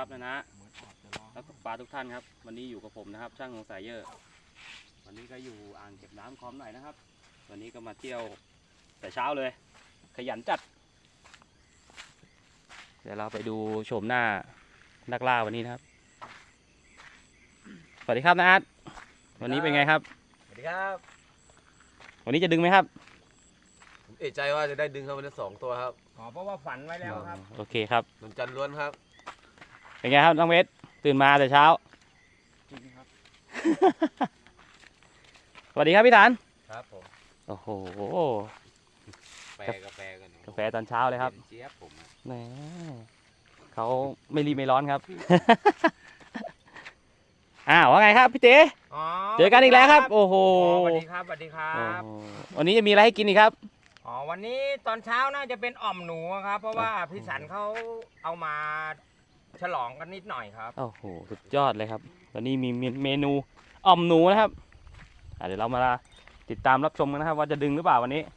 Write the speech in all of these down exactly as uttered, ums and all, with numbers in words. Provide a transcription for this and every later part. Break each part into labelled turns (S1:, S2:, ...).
S1: ครับนะนะแล้วปลาทุกท่านครับวันนี้อยู่กับผมนะครับช่างของสายเยอะวันนี้ก็อยู่อ่างเก็บน้ำคลองหน่อยนะครับวันนี้ก็มาเที่ยวแต่เช้าเลยขยันจัดเดี๋ยวเราไปดูโฉมหน้านักล่าวันนี้นะครับสวัสดีครับนะอาร์ตวันนี้เป็นไงครับ
S2: สวัสดีครับ
S1: วันนี้จะดึงไหมครับ
S2: ผมเอะใจว่าจะได้ดึงครับวันนี้สองตัวครับ
S3: อ๋อเพราะว่าฝันไว้แล้วครับ
S1: โอเคครับ
S2: นนจันล้วนครับ
S1: เป็นไงครับน้องเวสตื่นมาแต่เช้า
S3: จริงครับ
S1: สวัสดีครับพี่ฐาน
S2: ครับผม
S1: โอ้โห
S2: แปรกาแฟกัน
S1: กาแฟตอนเช้าเลยครับ
S2: เจี๊ยบผม
S1: แหมเขาไม่รีบไม่ร้อนครับ อ้าวว่าไงครับพี่เต๋เจอกันอีกแล้วครับโอ้โห
S3: สวัสดีครับสวัสดีครับ
S1: วันนี้จะมีอะไรให้กินอีกครับ
S3: อ๋อวันนี้ตอนเช้าน่าจะเป็นอ่อมหนูครับเพราะว่าพี่สันเขาเอามาฉลองกันนิดหน่อยครับ
S1: โอ้โหสุดยอดเลยครับวันนี้มีเมนูอ่อมหนูนะครับเดี๋ยวเรามาติดตามรับชมกันนะครับว่าจะดึงหรือเปล่าวันนี้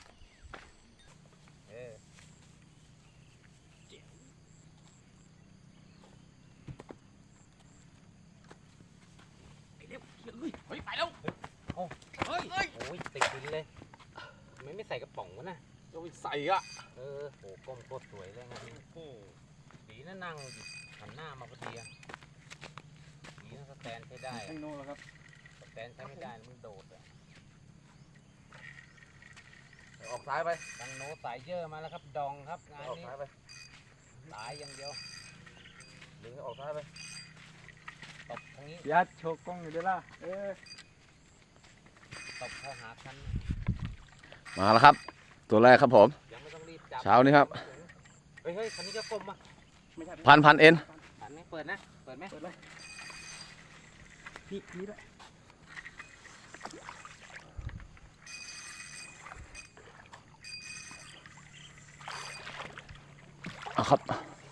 S3: เฮ้ยไปแล้วโอ้เฮ้ยโอ้ยติดดินเลยไม่ไม่ใส่กระป๋องวะนะ
S2: ก็ไปใส่อ่ะ
S3: เออโหก้มโคตรสวยเลยนะโอ้สีนั่นนั่งหันหน้ามาพอดีอ่ะสีนั่นสแตนใช้ได้
S2: ข้างโน้นแล้วครับ
S3: สแตนใช้ไม่ได้มันโดดอ่ะ
S2: ออกซ้ายไป
S3: ตังโนสายเยอะมาแล้วครับดองครับงานนี้
S2: ออกซ้ายไป
S3: สายอย่างเดียว
S2: ดึงออกซ้ายไป
S3: ตบทางนี้
S2: ยัดโชกกล้องอยู่ด้วยล่ะเออ
S3: ตบเข้าหาคัน
S2: มาแล้วครับตัวแรกครับผม
S3: ยังไม่ต้องรีบจับ
S2: เช้านี้ครับ
S3: เฮ้ยเฮ้ยคันนี้จะกลมอ่ะ
S2: พันพันเอ็น
S3: พันไหมเปิดนะเปิดไหมเปิดเลยนี่นี่ด้วย
S2: เอาครับ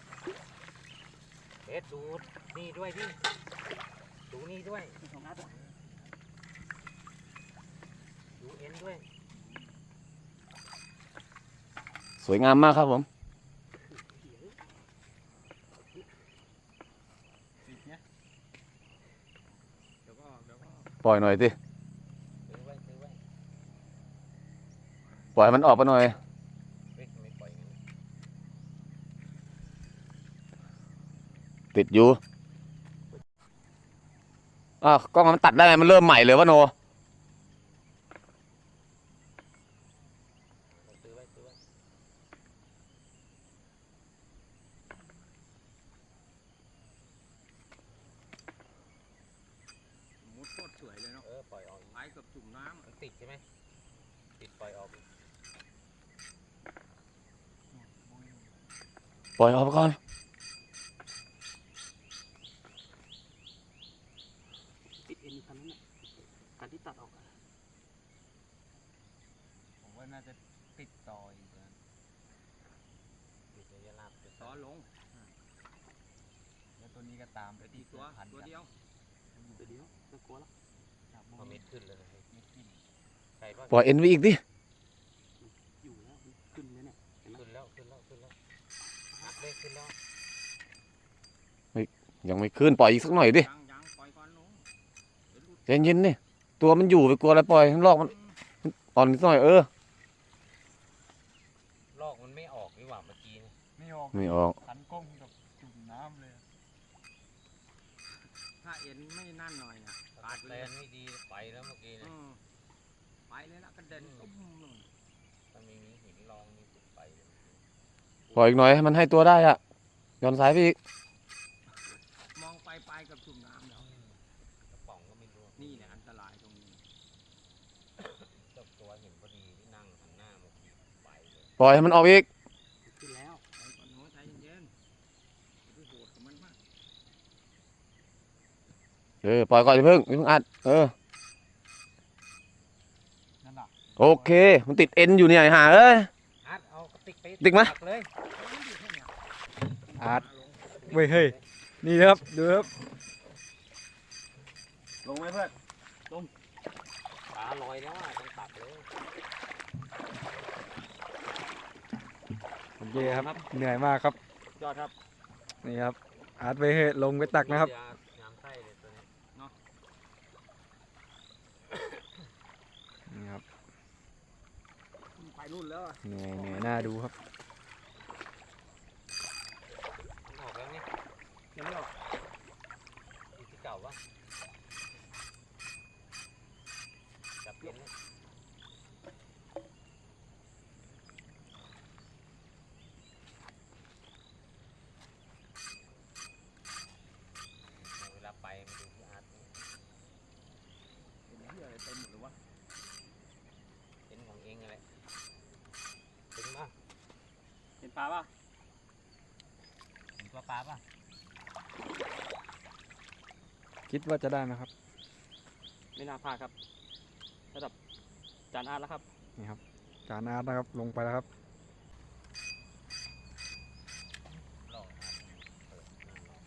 S3: เอ็ดดูนี่ด้วยพี่ดูนี่ด้วยดูเอ็นด้วย
S2: สวยงามมากครับผมปล่อยหน่อยสิปล่อยมันออกไปหน่อยติดอยู่อ้าวกล้องมันตัดได้ไงมันเริ่มใหม่เลยวะโน
S3: มุดโคตรสวยเลยเนาะเออปล่อยออกไอ้กับจุ่มน้ำมันติดใช่ไหมติดปล่อยออก
S2: ปล่อยออกไปก่อน
S1: ติดเอ็นคันนั้นคันที่ตัดออก
S3: ผมว่าน่าจะติดต่ออีกนะติดระยะลาบต่อลงแล้วตัวนี้ก็ตามไปที่ตัวตัวเดียว
S1: ตัวเดียวไม่กลัวแล้ว
S3: พอเม็ดขึ้นเลยเม็ดขึ้น
S2: ปล่อยเอ็นไว้อีกดิ
S1: อยู่แล้วขึ้นเลยเนี่ย
S3: ขึ้นแล้วขึ้นแล้วขึ้นแล้วหักเลยขึ้นแล้ว
S2: ยังไม่ขึ้นปล่อยอีกสักหน่อยดิใจเย็นๆนี่ตัวมันอยู่ไปกลัวอะไรปล่อยทั้งลอกมันอ่อนนิดหน่อยเออ
S3: ลอกมันไม่ออกนี่หว่าเมื่อกี้
S2: ไม่ออกไม่ออก
S3: ขันก้มกับจุ่มน้ำเลยถ้าเอ็นไม่นั่นหน่อยอ่ะขาดแรงไม่ดีไปแล้วเมื่อกี้เนี่ยไปเลยนะกระเด็นตุ้มเลยถ้าไม่มีหินรองนี่ไปเลย
S2: ปล่อยอีกหน่อยให้มันให้ตัวได้อ่ะย้อนสายไปอีก
S3: มองไปไปกับจุ่มน้ำแล้วกระป๋องก็ไม่รู้นี่แหละอันตรายตรงนี้เจ้าตัวเห็นพอดีที่นั่งหันหน้ามาไปเลย
S2: ปล่อยให้มันออกอีก
S3: ขึ้นแล้วไปก่อนโน้ใจเย็นๆดูโหดกับมันมาก
S2: เออปล่อยก่อนอย่าเพิ่งอย่าเพิ่งอัดเออโอเคมันติดเอ็นอยู่เนี่ยหาเอ้ย
S3: อัดเอาติดไป
S2: ติดไหม
S3: อัด
S2: เว้ยเฮ้ยนี่ครับดูครับลงไหมเพื่อนลง
S3: ปลาลอยแล้วอ่ะต้องตัดเลย
S2: โอเคครับเหนื่อยมากครับ
S1: ยอดครับ
S2: นี่ครับ
S4: อาร์ตไปเหอะลงไปตักนะครับ
S3: ยายามไส้เลยตัวนี้
S4: นี่ครับ
S3: ไปรุ่นแล้วอะ
S4: เหนื่อยเหนื่อยน่าดูครับ
S3: มันออกแล้วนี่ยังไม่ออกอีกที่เก่าวะจับเย็นเลยเวลาไปมันดูที่อาร์ตนี่เป็นเหี้ยอะไรเต็มหมดเลยวะเป็นของเองอะไรเป็นป่ะ
S1: เห็นปลาป่ะ
S3: เห็นตัวปลาป่ะ
S4: คิดว่าจะได้ไหมครับ
S1: ไม่น่าพลาดครับระดับจานอาร์ตแล้วครับ
S4: นี่ครับจานอาร์ตนะครับลงไปแล้วครับ
S3: หลอกครับเปิดหน้าหลอก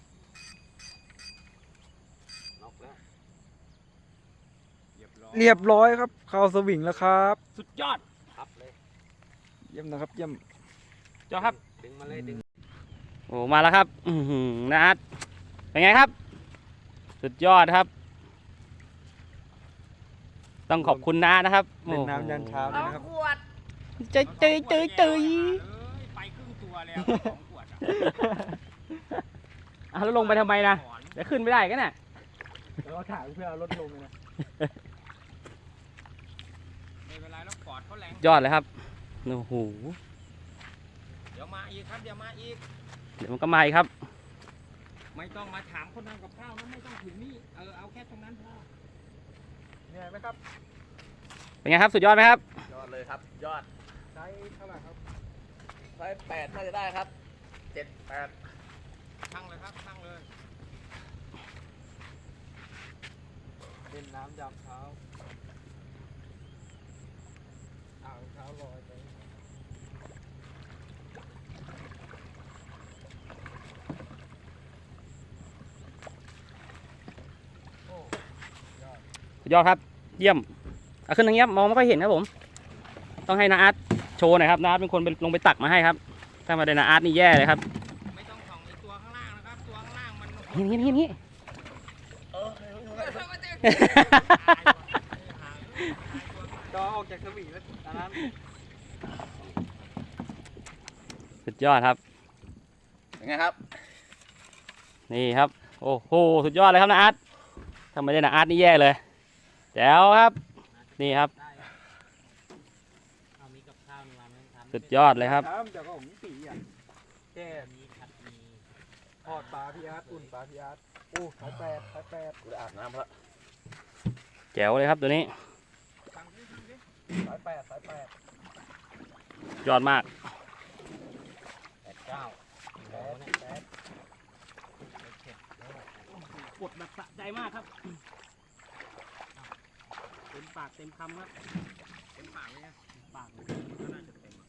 S3: น็อกแล้วเรียบร้อย
S4: เรียบร้อยครับเข้าสวิงแล้วครับ
S1: สุดยอด
S3: พับเลย
S4: เยี่ยมนะครับเยี่ยม
S1: จอครับ
S3: ดึงมาเลยดึง
S1: โอ้มาแล้วครับ อือหือนะอาร์ตเป็นไงครับ สุดยอดครับ ต้องขอบคุณน้านะครับ
S4: เล่นน้ำยันเช้าเลยนะครับ
S1: เจยเจยเจยเจย
S3: ไปครึ่งตัวแล้วสองขวดอ่ะ
S1: อ่ะแล้วลงไปทำไมนะเดี๋ยวขึ้นไม่ได้กันน่ะ
S4: เราถ่ายเพื่อเอารถลงเลยนะ
S3: ไม่เป็นไรแล้วกอดเขาแรง
S1: ยอดเลยครับโอ้โห
S3: เดี๋ยวมาอีกครับเดี๋ยวมาอีก
S1: เดี๋ยวมันก็มาอีกครับ
S3: ไม่ต้องมาถามคนทำกับข้าวนะไม่ต้องถึงนี่เออเอาแค่ตรงนั้นพอ
S4: เหนื่อยไหมครับ
S1: เป็นไงครับสุดยอดไหมครับ
S5: ยอดเลยครับ ยอด
S4: ใช้เท่าไหร่ครับ
S5: ไซส์แปดน่าจะได้ครับเจ็ดแปด
S3: ทั้งเลยครับทั้งเลย
S4: เล่นน้ำยามเช้าอ่าวเช้าลอยไป
S1: สุดยอดครับ เยี่ยมเอาขึ้นทางเงี้ยมองไม่ค่อยเห็นครับผม ต้องให้นาอาร์ตโชว์หน่อยครับนาอาร์ตเป็นคนไปลงไปตักมาให้ครับ ถ้ามาได้นาอาร์ตนี่แย่เลยครับ
S3: ไม่ต้องส่องไอ้ตัวข้างล่างนะครับตัวข้างล่างมัน
S1: เห็นเห็นเห็นเห็น
S4: จอออกจากสวิงแล้วอันนั้น
S1: สุดยอดครับ
S5: เป็นไงครับ
S1: นี่ครับ โอ้โห สุดยอดเลยครับนาอาร์ตถ้าไม่ได้นาอาร์ตนี่แย่เลยแจ๋วครับ นี่ครับ
S3: เอามีกับข้าวนี่มาไม่ทำ
S1: สุดยอดเลยครับ
S4: น้ำจากของตีอ่ะแก้
S3: มีผัดมี
S4: ทอดปลาพี่อาร์ตอุ่นปลาพี่อาร์ตโอ้สายแปดสายแปด
S5: กูได้อาบน้ำแล้ว
S1: แจ๋วเลยครับตัวนี้
S4: สายแปดสายแปด
S1: ยอดมาก
S3: แปดเก้าโอ้เนี่ย
S4: แปด
S1: กดแบบสะใจมากครับเต็มปากเต็มคำครับ
S3: เป็นปากเลยนะ
S1: ปาก
S3: ก็น่าจะเต็ม